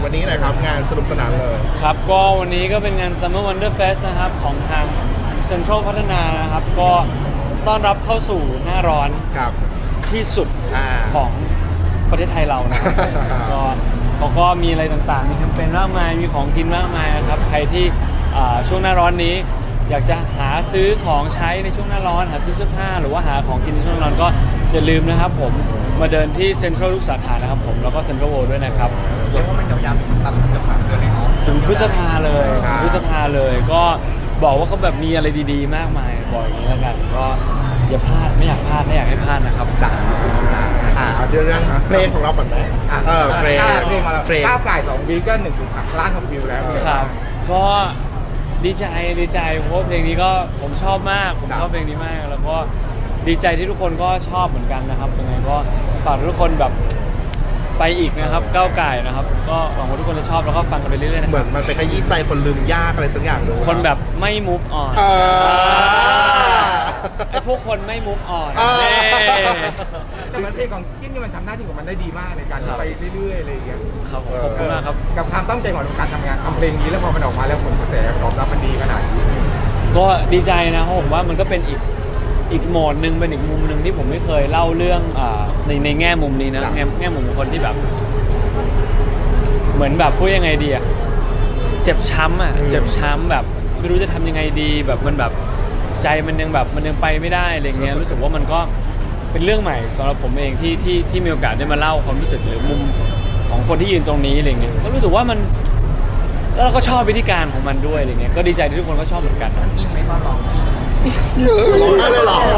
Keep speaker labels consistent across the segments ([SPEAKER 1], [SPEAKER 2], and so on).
[SPEAKER 1] วันนี้หน่อยครับงานสนุกสนานเลย
[SPEAKER 2] ครับก็วันนี้ก็เป็นงาน Summer Wonder Fest นะครับของทางเซ็นทรัลพัฒนานะครับก็ต้อนรับเข้าสู่หน้าร้อน
[SPEAKER 1] ครับ
[SPEAKER 2] ที่สุด ของประเทศไทยเรานะครับ ก็เขาก็มีอะไรต่างๆมีแคมเปญมากมายมีของกินมากมายนะครับใครที่ช่วงหน้าร้อนนี้อยากจะหาซื้อของใช้ในช่วงหน้าร้อนหาซื้อเสื้อผ้าหรือว่าหาของกินในช่วงหน้าร้อนก็อย่าลืมนะครับผมมาเดินที่เซ็นทรัลทุกสาขานะครับผมแล้วก็เซ็นทรัลเวิลด์ด้วยนะครับ
[SPEAKER 3] เรียกว่ามันยาวๆถึงตามเกือบ3 เดือนเลยเนาะ
[SPEAKER 2] ถึงพฤษภาเลยก็บอกว่าเขาแบบมีอะไรดีๆมากมายบอกอย่างนี้แล้วกันก็อย่าพลาดไม่อยากพลาดไม่อยากให้พลาดนะครับจ้า
[SPEAKER 1] เอาเรื่องเพลงของเราก่อนไหมเพลง
[SPEAKER 3] มาแล้วก้าวไก่2 วีก็1.3 ล้านวิวแล้ว
[SPEAKER 2] ครับก็ดีใจเพราะว่าเพลงนี้ก็ผมชอบมากผมชอบเพลงนี้มากแล้วก็ดีใจที่ทุกคนก็ชอบเหมือนกันนะครับยังไงก็ฝากทุกคนแบบไปอีกนะครับก้าวไก่นะครับก็หวังว่าทุกคนจะชอบแล้วก็ฟังกันไปเรื่อยๆนะ
[SPEAKER 1] เหมือนมันไปขยี้ใจคนลืมยากอะไรสักอย่างเลย
[SPEAKER 2] คนแบบไม่ move on ไอ้พวกคนไม่ move on
[SPEAKER 3] แต่มันเพลงของกิ้นนี่มันทำหน้าที่ของมันได้ดีมากในการไปเรื่อยๆอะไรอย่างเงี้ย
[SPEAKER 2] ครับขอบคุณมากครับ
[SPEAKER 3] กับความตั้งใจของการทำงานทำเพลงนี้แล้วพอมันออกมาแล้วผลกระแสตอบรับมันดีขนาดนี้
[SPEAKER 2] ก็ดีใจนะเพราะผมว่ามันก็เป็นอีกโหมดหนึ่งเป็นอีกมุมหนึ่งที่ผมไม่เคยเล่าเรื่องในแง่มุมนี้นะแง่มุมของคนที่แบบเหมือนแบบพูดยังไงดีอะเจ็บช้ำแบบไม่รู้จะทำยังไงดีแบบมันแบบใจมันยังไปไม่ได้อะไรเงี้ยรู้สึกว่ามันก็เป็นเรื่องใหม่สำหรับผมเองที่มีโอกาสได้มาเล่าความรู้สึกหรือมุมของคนที่ยืนตรงนี้อะไรเงี้ยก็รู้สึกว่ามันแล้วเราก็ชอบวิธีการของมันด้วยอะไรเงี้ยก็ดีใจที่ทุกคนก็ชอบเหมือนกัน
[SPEAKER 3] อินไหมมาลอง
[SPEAKER 1] ร้องไห้เลยเหรอ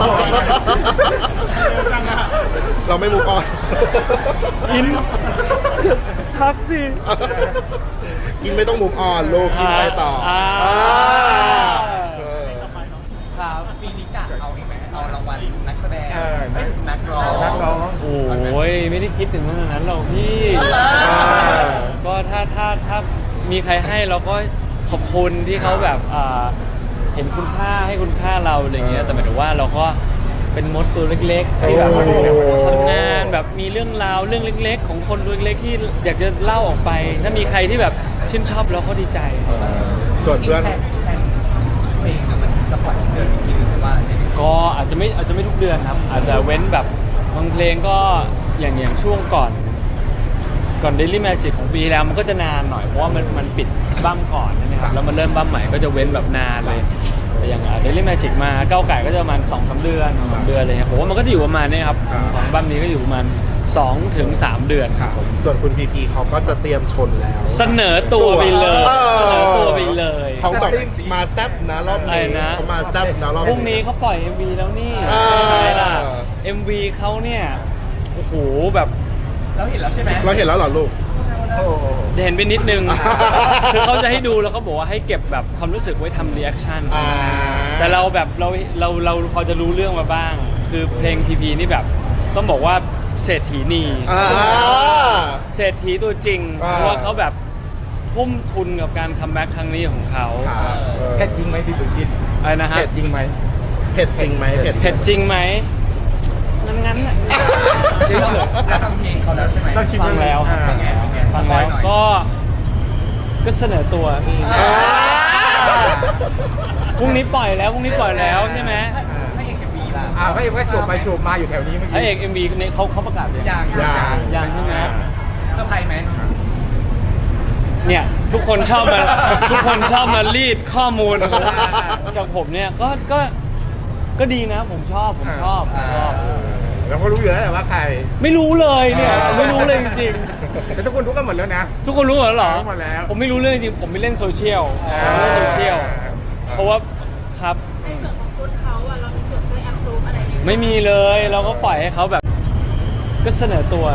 [SPEAKER 1] เราไม่มูฟออน
[SPEAKER 2] อินทักสิ
[SPEAKER 1] กินไม่ต้องมูฟออนลูกกินไปต่อ
[SPEAKER 2] ครับ
[SPEAKER 3] ปีนี้กะเอาเองไหมเอารางวัลนักแสดงนักร้อง
[SPEAKER 2] โอ้ยไม่ได้คิดถึงขนาดนั้นหรอกพี่ก็ถ้ามีใครให้เราก็ขอบคุณที่เขาแบบเห็นคุณค่าให้คุณค่าเราอะไรเงี้ยแต่หมายถึงว่าเราก็เป็นมดตัวเล็กๆที่แบบทำงานแบบมีเรื่องราวเรื่องเล็กๆของคนตัวเล็กที่อยากจะเล่าออกไปถ้ามีใครที่แบบชื่นชอบเราก็ดีใจ
[SPEAKER 1] ส่วนเพื่อน
[SPEAKER 3] เพลงมันจะปล่อยเดือนกี่เดือนว่า
[SPEAKER 2] ก็อาจจะไม่ทุกเดือนครับอาจจะเว้นแบบบางเพลงก็อย่างช่วงก่อน Daily Magic ของปีแล้วมันก็จะนานหน่อยเพราะว่ามันปิดบั้มก่อนนะครับแล้วมันเริ่มบั้มใหม่ก็จะเว้นแบบนานเลยแต่อย่างDaily Magic มาก้าวไก่ก็จะประมาณ 2-3 เดือนอะไรเงี้ยผมว่ามันก็จะอยู่ประมาณนี้ครับของบั้มนี้ก็อยู่ประมาณ2-3 เดือนครับ
[SPEAKER 1] ส่วนคุณพีพีเขาก็จะเตรียมชนแล้ว
[SPEAKER 2] เสนอตัวไปเลย
[SPEAKER 1] เขาแบบมาแซบนะรอบนี้เขามาแซบนะรอบนี้
[SPEAKER 2] พรุ่งนี้เขาปล่อย MV แล้วนี่ใช่ล่ะ MV เขาเนี่ยโอ้โหแบบ
[SPEAKER 3] เราเห็นแล้วใช่ไหม
[SPEAKER 1] เราเห็นแล้วเหรอลูก
[SPEAKER 2] เห็นไปนิดนึงคือเขาจะให้ดูแล้วเขาบอกว่าให้เก็บแบบความรู้สึกไว้ทำรีแอคชั่นแต่เราแบบเราพอจะรู้เรื่องมาบ้างคือเพลงพีพีนี่แบบต้องบอกว่าเศรษฐีนีเศรษฐีตัวจริงเพราะว่าเขาแบบทุ่มทุนกับการคัมแบ็กครั้งนี้ของเขา
[SPEAKER 3] เผ็ดจริงไหมพี่บุญกิน
[SPEAKER 2] อะไรนะฮะ
[SPEAKER 3] เผ็ดจริงไหม
[SPEAKER 2] เผ็ดจริงไหมงั้นเฉย
[SPEAKER 3] ๆฟังเพลงเขาแล้วใช่ไหม
[SPEAKER 2] ฟังแล้วก็เสนอตัวพรุ่งนี้ปล่อยแล้วใช่ไหม
[SPEAKER 3] ให้เอกMVล่ะให้เอกโฉบไปโฉบมาอยู่แถวนี้เมื่อกี้
[SPEAKER 2] ให้เอกMVเนี่ยเขาประกาศเลยยังใช่ไหม
[SPEAKER 3] เซอร์ไพรส์ไหม
[SPEAKER 2] เนี่ยทุกคนชอบมารีดข้อมูลจากผมเนี่ยก็ดีนะผมชอบ
[SPEAKER 3] เราก็รู้อยู่แล้วแต่ว่าใคร
[SPEAKER 2] ไม่รู้เลยเนี่ยไม่รู้เลยจริงๆ
[SPEAKER 3] แต่ทุกคนรู้กันหมดแล้วนะ
[SPEAKER 2] ทุกคนรู้หมดแล้วเหรอ
[SPEAKER 3] หมดแล้ว
[SPEAKER 2] ผมไม่รู้เรื่องจริงผมไม่เล่นโซเชียลเพราะว่าครับ
[SPEAKER 4] ในส่วนของคุณเขาอะเรามีส่วนช่วยแอปพรูฟอะไร
[SPEAKER 2] ไม่มีเลยเราก็ปล่อยให้เขาแบบก็เสนอตัว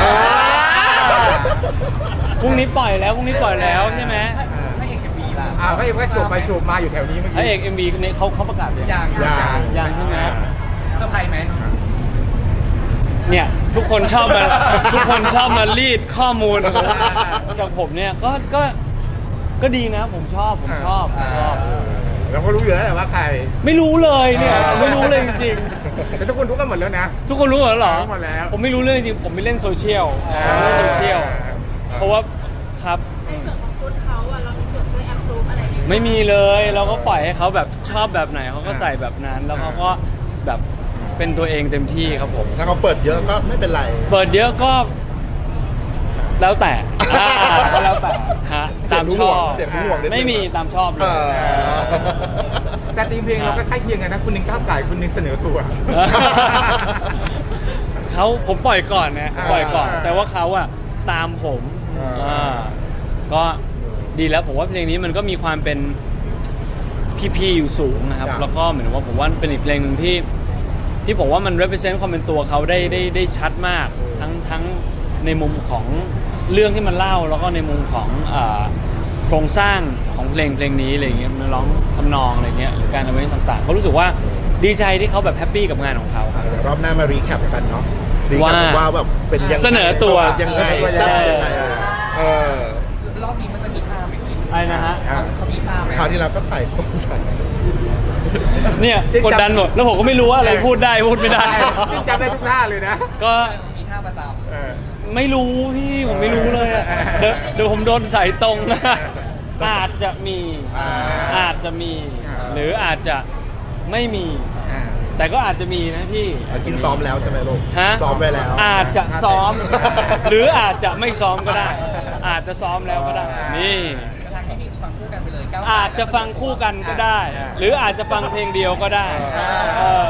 [SPEAKER 2] พรุ่งนี้ปล่อยแล้วใช่ไหม
[SPEAKER 3] ให้เอกMVล่ะให้เอกโฉบไปโฉบมาอยู่แถวนี้เมื่อกี้
[SPEAKER 2] ให้เอกMVเนี่ยเขาประกาศเลยยังใช่ไหม
[SPEAKER 3] เซอร์ไพรส์ไหม
[SPEAKER 2] เนี่ยทุกคนชอบมารีดข้อมูลจากผมเนี่ยก็ดีนะผมชอบ
[SPEAKER 3] เราก็รู้อยู่แล้วแต่ว่าใคร
[SPEAKER 2] ไม่รู้เลยเนี่ยไม่รู้เลยจริง
[SPEAKER 3] ๆแต่ทุกคนรู้กันหมดแล้วนะ
[SPEAKER 2] ทุกคนรู้หมดแล้วเหรอ
[SPEAKER 3] หมดแล้ว
[SPEAKER 2] ผมไม่รู้เรื่องจริงผมไม่เล่นโซเชียลเพราะว่าคครับ
[SPEAKER 4] ในส่วนของชุดเขาอะเรามีส่วนช่วยแอปพรูฟอะไรไหม
[SPEAKER 2] ไม่มีเลยเราก็ปล่อยให้เขาแบบชอบแบบไหนเขาก็ใส่แบบนั้น แล้วเขาก็แบบเป็นตัวเองเต็มที่ครับผม
[SPEAKER 1] ถ้าเขาเปิดเยอะก็ไม่เป็นไร
[SPEAKER 2] เปิดเยอะก็แล้วแต่แล้วแต่ฮะ
[SPEAKER 1] เสีย
[SPEAKER 2] ตาง ม
[SPEAKER 1] ห่
[SPEAKER 2] ช
[SPEAKER 1] ว
[SPEAKER 2] อง บ
[SPEAKER 1] เสียงห่วงนิดนึง
[SPEAKER 2] ไม่มีตามชอบเล
[SPEAKER 1] เอย อ
[SPEAKER 3] แต่ทีมเพลงเราก็ใกล้เคียงกันนะคุณหนึ่งก้าวไก่คุณหนึ่งเสนอตัว
[SPEAKER 2] ผมปล่อยก่อนนะปล่อยก่อน
[SPEAKER 3] อ่า
[SPEAKER 2] แต่ว่าเขาอะตามผม
[SPEAKER 1] อ่า
[SPEAKER 2] ก็ดีแล้วผมว่าเพลงนี้มันก็มีความเป็นพีอยู่สูงนะครับ
[SPEAKER 1] ครับ
[SPEAKER 2] แล้วก็เหมือนว่าผมว่าเป็นอีกเพลงหนึ่งที่ผมว่ามัน represent ความเป็นตัวเขาได้ชัดมากทั้งในมุมของเรื่องที่มันเล่าแล้วก็ในมุมของโครงสร้างของเพลงนี้อะไรเงี้ยมันร้องทำนองอะไรเงี้ยหรือการเอาไว้ต่างๆก็รู้สึกว่าดีใจที่เขาแบบแฮปปี้กับงานของเขาครับ
[SPEAKER 1] เดี๋ยวรอบหน้ามารีแคปกันเนาะรีแค
[SPEAKER 2] ว่า
[SPEAKER 1] ปว่าแบบเป็นยังไง
[SPEAKER 2] เสนอตัว
[SPEAKER 1] ยังไงแซ่บยังไงเออ
[SPEAKER 5] รอบนี้มันจะมีท่าไหมกิน
[SPEAKER 2] อะไรนะฮะ
[SPEAKER 5] เขามีท่าไหม
[SPEAKER 1] คราวที่เราก็ใส่ต้นใส่
[SPEAKER 2] เนี่ยกดดันหมดแล้วผมก็ไม่รู้ว่าอะไรพูดได้พูดไม่ได้
[SPEAKER 3] นี่จำได้ทุกท่าเลยนะ
[SPEAKER 2] ก็
[SPEAKER 5] มีท่าประจ
[SPEAKER 3] เออ
[SPEAKER 2] ไม่รู้พี่ผมไม่รู้เลยอะเดี๋ยวผมโดนใส่ตรงนะอาจจะมี อาจจะมี หรืออาจจะไม่มี แต่ก็อาจจะมีนะพี่
[SPEAKER 1] กินซ้อมแล้วใช่ไหมลูก
[SPEAKER 2] ฮะ
[SPEAKER 1] ซ้อมไปแล้ว
[SPEAKER 2] อาจจะซ้อม หรืออาจจะไม่ซ้อมก็ได้ อาจจะซ้อมแล้วก็ได้ นี่
[SPEAKER 5] ำทางที่นี่ฟังคู่กันไปเลยก้าว
[SPEAKER 2] อาจจะฟังคู่กันก็ได้ หรืออาจจะฟังเพลงเดียวก็ได้เออ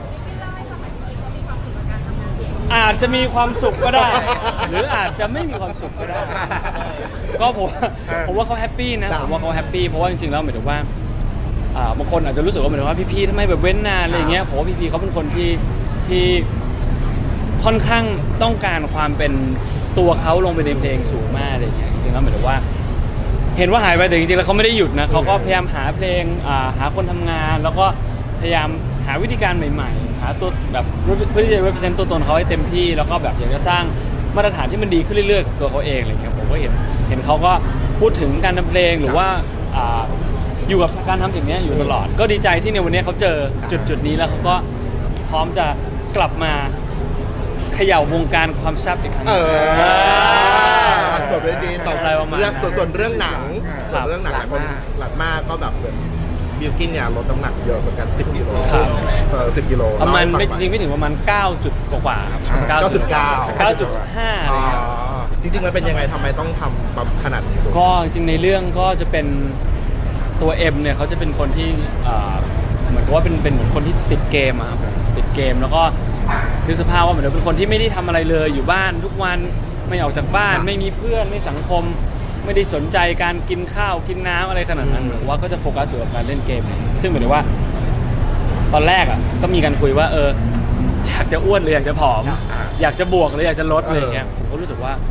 [SPEAKER 2] อาจจะมีความสุขก็ได้ หรืออาจจะไม่มีความสุขก็ได้ ก็ผมว่าเขาแฮปปี้นะผมว่าเขาแฮปปี้เพราะว่าจริงๆแล้วหมายถึงว่าบางคนอาจจะรู้สึกว่าหมายถึงว่าพี่ๆทำไมแบบเว้นนานอะไรอย่างเงี้ยผมว่าพี่ๆเขาเป็นคนที่ค่อนข้างต้องการความเป็นตัวเขาลงไปในเพลงสูงมากอะไรอย่างเงี้ยจริงๆแล้วหมายถึงว่า เห็นว่าหายไปแต่จริงๆแล้วเขาไม่ได้หยุดนะเขาก็พยายามหาเพลงหาคนทำงาน แล้วก็พยายามหาวิธีการใหม่ๆ หาตัวแบบเพื่อที่จะ represent ตัวตนเขาให้เต็มที่แล้วก็แบบอยากจะสร้างมาตรฐานที่มันดีขึ้นเรื่อยๆกับตัวเขาเองอะไรเงี้ยผมก็เห็นเขาก็พูดถึงการทำเพลงหรือว่าอยู่กับการทำสิ่งนี้อยู่ตลอด ก็ดีใจที่ในวันนี้เขาเจอจุดนี้แล้วเขาก็พร้อมจะกลับมาเขย่าวงการความแซ่บอีกครั้งห
[SPEAKER 1] เอ
[SPEAKER 2] นึ่ง
[SPEAKER 1] อจบได้ดีต่อ
[SPEAKER 2] อะไรประมาณ
[SPEAKER 1] เรื่อง
[SPEAKER 2] นั้น
[SPEAKER 1] ส่วนเรื่องหนัง
[SPEAKER 2] ครั
[SPEAKER 1] ส่วน
[SPEAKER 2] บ
[SPEAKER 1] เรื่องหนังหลายคนหลัดมากก็แบบเหมือนบิลกินเนี่ยลดน้ำหนักเยอะเหมือนกัน10 กิโล
[SPEAKER 2] ครับ
[SPEAKER 1] 10 กิโล
[SPEAKER 2] ประมาณ
[SPEAKER 1] เล่
[SPEAKER 2] ไม่
[SPEAKER 1] ให้
[SPEAKER 2] จริง
[SPEAKER 1] ฟั
[SPEAKER 2] ไม่ถึงประมาณ9 จุดกว่าๆครับ
[SPEAKER 1] 9.9
[SPEAKER 2] 9.5อะไร
[SPEAKER 1] อ๋อ
[SPEAKER 2] เงี้ย
[SPEAKER 1] จริงๆมันเป็นยังไงทำไมต้องทำปั๊มขนาดนี้ลูก
[SPEAKER 2] ก็จริงๆในเรื่องก็จะเป็นตัวเอ็มเนี่ยเขาจะเป็นคนที่เหมือนกับว่าเป็นเหมือนคนที่ติดเกมอะครับติดเกมแล้วก็คือสภาพว่าเหมือนเป็นคนที่ไม่ได้ทำอะไรเลยอยู่บ้านทุกวันไม่ออกจากบ้าน ไม่มีเพื่อนไม่สังคม ไม่ได้สนใจการกินข้าวกินน้ำอะไรขนาดนั้นเหมือนว่าก็จะโฟกัสอยู่กับการเล่นเกมเนี่ยซึ่งเหมือนว่า ตอนแรกอ่ะก็มีการคุยว่าอยากจะอ้วนหรืออยากจะผอม อยากจะบวกหรืออยากจะลดอะไรอย่างเงี้ยผมก็รู้สึกว่า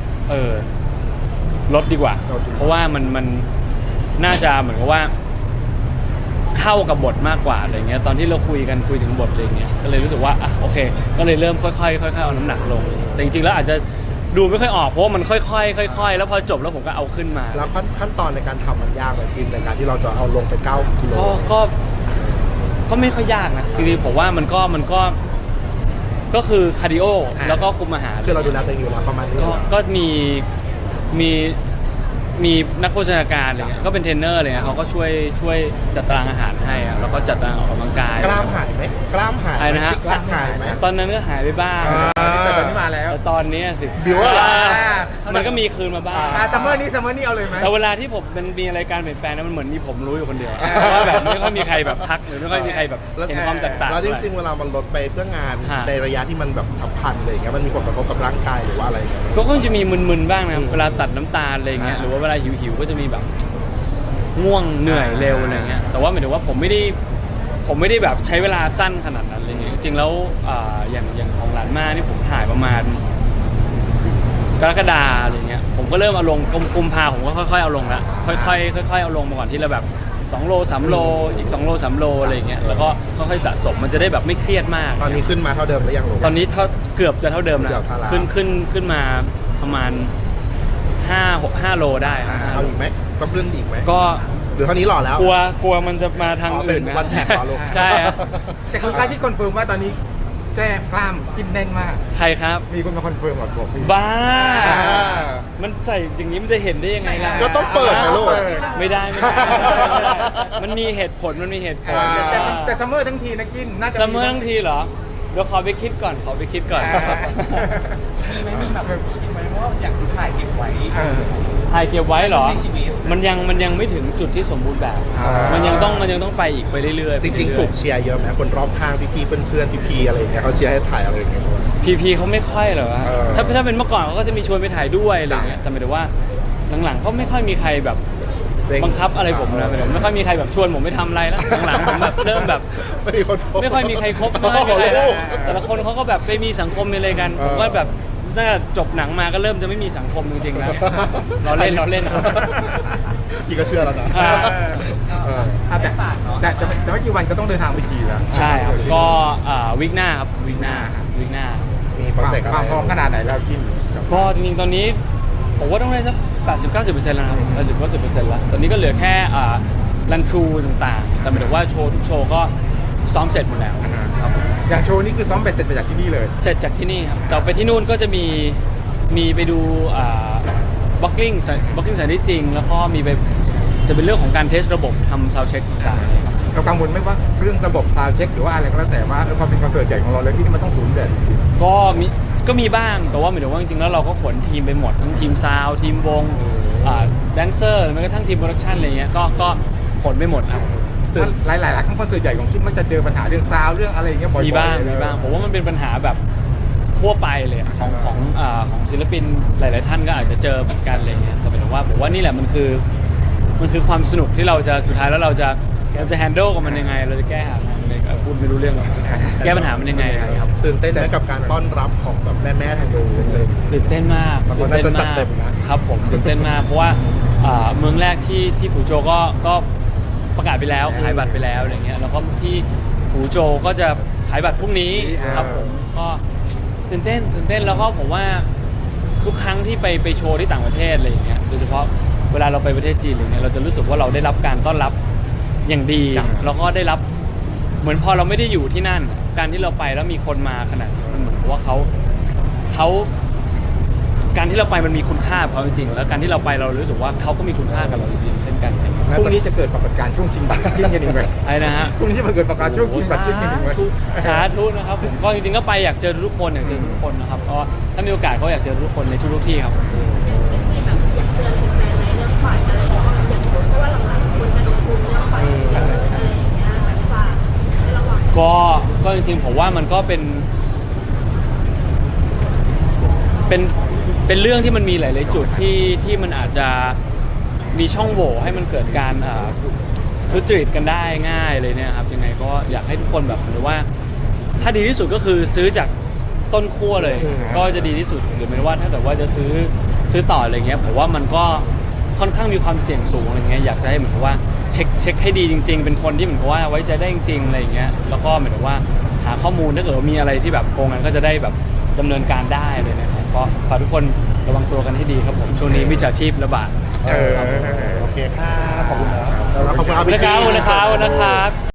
[SPEAKER 2] ลดดีกว่า เพราะว่ามันน่าจะเหมือนกับว่าเข้ากับบทมากกว่าอะไรเงี้ยตอนที่เราคุยถึงบทอะไรเงี้ยก็เลยรู้สึกว่าโอเค ก็เลยเริ่มค่อยๆเอาน้ำหนักลง แต่จริงๆแล้วอาจจะดูไม่ค่อยออกเพราะว่ามันค่อยๆค่อยๆแล้วพอจบแล้วผมก็เอาขึ้นมา
[SPEAKER 1] แล้วขั้นตอนในการทำมันยากไหมกินในการที่เราจะเอาลงไป9 กิโล
[SPEAKER 2] ก็ไม่ค่อยยากนะจริงๆผมว่าก็คือคาร์ดิโอแล้วก็คุมอาหาร
[SPEAKER 1] คือเราดูแลตัวเองอยู่แล้วประมาณนี้
[SPEAKER 2] ก็มีนักโภชนาการอะไรเงี้ยก็เป็นเทรนเนอร์อะไรเงี้ยเขาก็ช่วยจัดตารางอาหารให้อะแล้วก็จัดตารางออกกำลังกาย
[SPEAKER 1] กล้ามหายไหมกล้ามหาย
[SPEAKER 2] อะไรนะฮะ
[SPEAKER 1] ซิกแพคหายไหม
[SPEAKER 2] ตอนนั้นก็หายไปบ้าง
[SPEAKER 3] แต่ตอนนี้มาแล้ว
[SPEAKER 2] แต่ตอนนี้สิ
[SPEAKER 1] บิวอะ
[SPEAKER 2] มันก็มีคืนมาบ้าง
[SPEAKER 3] ซัมเมอร์นี้เอาเลยไหม
[SPEAKER 2] แต่เวลาที่ผมมันมีอะไรการเปลี่ยนแปลงนะมันเหมือนมีผมรู้อยู่คนเดียวว่าแบบไม่ค่อยมีใครแบบทักหรือไม่ค่อยมีใครแบบเห็นความแตกต่าง
[SPEAKER 1] แล้วจริงๆเวลามันลดไปเพื่องาน
[SPEAKER 2] ฮะ
[SPEAKER 1] ในระยะที่มันแบบฉับพลันอะไรอย่างเงี้ยมันมีผลกระทบกับร่างกายหรือว่าอะไรเงี้ย
[SPEAKER 2] ก็จะมีมึนๆบ้างนะเวลาตัดน้ำตาลอะไรเงี้ยหรือว่าเวลาหิวๆก็จะมีแบบง่วงเหนื่อยเร็วอะไรเงี้ยแต่ว่าหมายถึงว่าผมไม่ได้แบบใช้เวลาสั้นขนาดนั้นอะไรเงี้ยจริงๆแล้วอย่างของหลานมานี่ผมถ่ายประมาณกรกฎาอะไรเงี้ยผมก็เริ่มเอาลงกุมภาผมก็ค่อยๆเอาลงละค่อยๆเอาลงมาก่อนที่ละแบบ2 โล 3 โลอีก2 โล 3 โลอะไรเงี้ยแล้วก็ค่อยๆสะสมมันจะได้แบบไม่เครียดมาก
[SPEAKER 1] ตอนนี้ขึ้นมาเท่าเดิมหรือยังลูก
[SPEAKER 2] ตอนนี้เกือบจะเท่าเดิมนะ
[SPEAKER 1] เกือบเท่าแล้ว
[SPEAKER 2] ขึ้นมาประมาณ5 โลได้ครับ
[SPEAKER 1] เอาอีกไหมต้องขึ้นอีกไหม
[SPEAKER 2] ก็
[SPEAKER 1] หรือเท่านี้หล่อแล้ว
[SPEAKER 2] กลัวมันจะมาทาง
[SPEAKER 1] อ๋อเป็น
[SPEAKER 2] อื่นนะ
[SPEAKER 1] วันแท็กเหรอลูก
[SPEAKER 2] ใช่ครับ
[SPEAKER 3] แต่คุณค่าที่คอนเฟิร์มว่าตอนนี้แก้กล้ามกินแน่นมาก
[SPEAKER 2] ใครครับ
[SPEAKER 3] มีคนมาคอนเฟิร์มบอกพี่
[SPEAKER 2] บ้า
[SPEAKER 1] อ่า
[SPEAKER 2] มันใส่อย่างนี้มันจะเห็นได้ยังไงล่ะ
[SPEAKER 1] ก็ต้องเปิดนะลูก
[SPEAKER 2] ไม่ได้ไม่ได้ มันมีเหตุผลมันมีเหตุผล
[SPEAKER 1] อ่า
[SPEAKER 3] แต่ซัมเมอร์ทั้งทีนะกินน่าจะ
[SPEAKER 2] ซัมเมอร์ทั้งทีเหรอ เดี๋ยวขอไปคิดก่อนขอไปคิดก่อน
[SPEAKER 5] มีไหมมีแบบคิดไหมว่าอยากถ่ายเก็บไว้
[SPEAKER 3] เออ
[SPEAKER 2] ถ่ายเก็บไว้เหรอ
[SPEAKER 5] ในชีวิต
[SPEAKER 2] มันยังไม่ถึงจุดที่สมบูรณ์แบบ
[SPEAKER 3] อ่ามั
[SPEAKER 2] มันยังต้องไปอีกไปเรื่อยๆ
[SPEAKER 1] จริงๆ ถูกเชียร์เยอะไหมคนรอบข้างพี่ๆเพื่อนๆพี่ๆอะไรอย่างเงี้ยเขาเชียร์ให้ถ่ายอะไรอย่างเงี้ยด้วย
[SPEAKER 2] พีเขาไม่ค่อยหรอกวะ
[SPEAKER 1] เออ
[SPEAKER 2] ถ้าเป็นเมื่อก่อนเขาก็จะมีชวนไปถ่ายด้วยอะไรอย่างเงี้ย แต่หมายถึงว่าหลังๆก็ไม่ค่อยมีใครแบบบังคับอะไรผมนะหมายถึงไม่ค่อยมีใครแบบชวนผมไปทำอะไรแล้วหลังๆผมแบบเริ่มแบบ
[SPEAKER 1] ไม่มีคนโทร
[SPEAKER 2] ไม่ค่อยมีใครคบไม่ค่อยมีใครแต่ละคนเขาก็แบบไปมีสังคมมีอะไรกัน ผมก็แบบน่าจบหนังมาก็เริ่มจะไม่มีสังคมจริงๆแล้วเราเล่นครับ
[SPEAKER 1] พี่ก็เชื่อแล้วนะ
[SPEAKER 2] อ่า
[SPEAKER 1] เออ
[SPEAKER 3] แต่แต่ไม่กี่วันก็ต้องเดินทางไปจีนแล้ว
[SPEAKER 2] ใช่ครับก็วิกหน้าครับวิกหน้า
[SPEAKER 1] มีโปรเจกต์อะไร
[SPEAKER 3] ความพร้อมขนาดไหนแล้วกิน
[SPEAKER 2] ก็จริงๆ ตอนนี้ผมว่าต้องได้สัก 80-90% แล้วนะครับ80-90% แล้ว ตอนนี้ก็เหลือแค่รันทรูต่างๆ แต่หมายถึงว่าโชว์ทุกโชว์ก็ซ้อมเสร็จหมดแล้วครับ
[SPEAKER 3] อย่างโชว์นี่คือซ้อมเบ็ดเสร็จไปจากที่นี่เลย
[SPEAKER 2] เสร็จจากที่นี่ครับแต่ไปที่นู่นก็จะมีไปดูบล็อกกิ้งสถานที่จริง แล้วก็มีไปจะเป็นเรื่องของการเทสระบบทำซาวด์เช็คต่างๆ
[SPEAKER 3] เรากังวลไหมว่าเรื่องระบบซาวด์เช็คหรือว่าอะไรก็แล้วแต่ว่าความเป็นคอนเสิร์ตใหญ่ของเราเลยที่นี่มันต้องศูนย์เบ็ด
[SPEAKER 2] ก็มีบ้างแต่ว่าหมายถึงว่าจริงๆแล้วเราก็ขนทีมไปหมดทั้งทีมซาวด์ทีมวงแดนเซอร์แม้กระทั่งทีมโปรดักชันอะไรเงี้ยก็ขนไปหมดครับ
[SPEAKER 3] หลายๆครั้งคอนเสิร์ตใหญ่ของกินมันจะเจอปัญหาเรื่องซาวด์เรื่องอะไรอย่างเงี้ยบ่อยๆ
[SPEAKER 2] มีบ้างผมว่ามันเป็นปัญหาแบบทั่วไปเลยอะของศิลปินหลายๆท่านก็อาจจะเจอเหมือนกันอะไรเงี้ยแต่หมายถึงว่าผมว่านี่แหละมันคือความสนุกที่เราจะสุดท้ายแล้วเราจะแฮนด์ลกับมันยังไง เราจะแก้หามันยังไงพูดไม่รู้เรื่องหรอกแก้ปัญหามันยังไงครับ
[SPEAKER 1] ตื่นเต้นไหมกับการต้อนรับของแบบแม่ๆทางนู้นเลย
[SPEAKER 2] ตื่นเต้นมาก
[SPEAKER 1] บางคนน่าจะจัดเต็มนะครับ
[SPEAKER 2] ผมตื่นเต้นมากเพราะว่าเมืองแรกที่ฟูโจก็ประกาศไปแล้วขายบัตรไปแล้วอะไรเงี้ยแล้วก็ที่ฟูโจก็จะขายบัตรพรุ่งนี้ครับผมก็ตื่นเต้นแล้วก็ผมว่าทุกครั้งที่ไปโชว์ที่ต่างประเทศอะไรอย่างเงี้ยโดยเฉพาะเวลาเราไปประเทศจีนอะไรเงี้ยเราจะรู้สึกว่าเราได้รับการต้อนรับอย่างดีแล้วก็ได้รับเหมือนพอเราไม่ได้อยู่ที่นั่น การที่เราไปแล้วมีคนมาขนาดนี้มันเหมือนกับว่าเขาการที่เราไปมันมีคุณค่ากับเขาจริงๆแล้วการที่เราไปเรารู้สึกว่าเขาก็มีคุณค่ากับเราจริงๆเช่นกัน
[SPEAKER 3] พรุ่งนี้จะเกิดปรากฏการณ์ช่วงชิงบัตรกินกันอีกไหม
[SPEAKER 2] ไอ้นะฮะ
[SPEAKER 3] พรุ่งนี้จะมาเกิดปรากฏการณ์ช่วงชิงบัตรกินกันอีกไหม
[SPEAKER 2] สาธุนะครับผมก็จริงๆก็ไปอยากเจอทุกคนนะครับก็ถ้ามีโอกาสก็อยากเจอทุกคนในทุกๆที่ครับ
[SPEAKER 4] มีแบบอยากเตือนแฟนๆในเรื่องฝ่ายอะไรอย่างเงี้ยอย่างเพราะว่าหลังๆคนจะโดนพูดเรื่องฝ่ายอะไรอย่างเงี้ยแบบฝากให้ระวัง
[SPEAKER 2] ก็จริงๆผมว่ามันก็เป็นเรื่องที่มันมีหลายๆจุดที่มันอาจจะมีช่องโหว่ให้มันเกิดการทุจริตกันได้ง่ายเลยเนี่ยครับยังไงก็อยากให้ทุกคนแบบหรือว่าถ้าดีที่สุดก็คือซื้อจากต้นขั้วเลย ก็จะดีที่สุดหรือไม่ว่าถ้าเกิดว่าจะซื้อต่ออะไรเงี้ยผมว่ามันก็ค่อนข้างมีความเสี่ยงสูงอะไรเงี้ยอยากจะให้เหมือนกับว่าเช็คให้ดีจริงๆเป็นคนที่เหมือนกับว่าไว้ใจได้จริงๆอะไรเงี้ยแล้วก็เหมือนกับว่าหาข้อมูลถ้าเกิดว่ามีอะไรที่แบบโกงกันก็จะได้แบบดำเนินการได้เลยนะครับก็ฝากทุกคนระวังตัวกันให้ดีครับผมช่วงนี้มิจฉาชีพระบาด
[SPEAKER 1] โอเคค่ะขอบคุณนะแล้วขอบคุณ
[SPEAKER 2] ขอบคุณนะครับ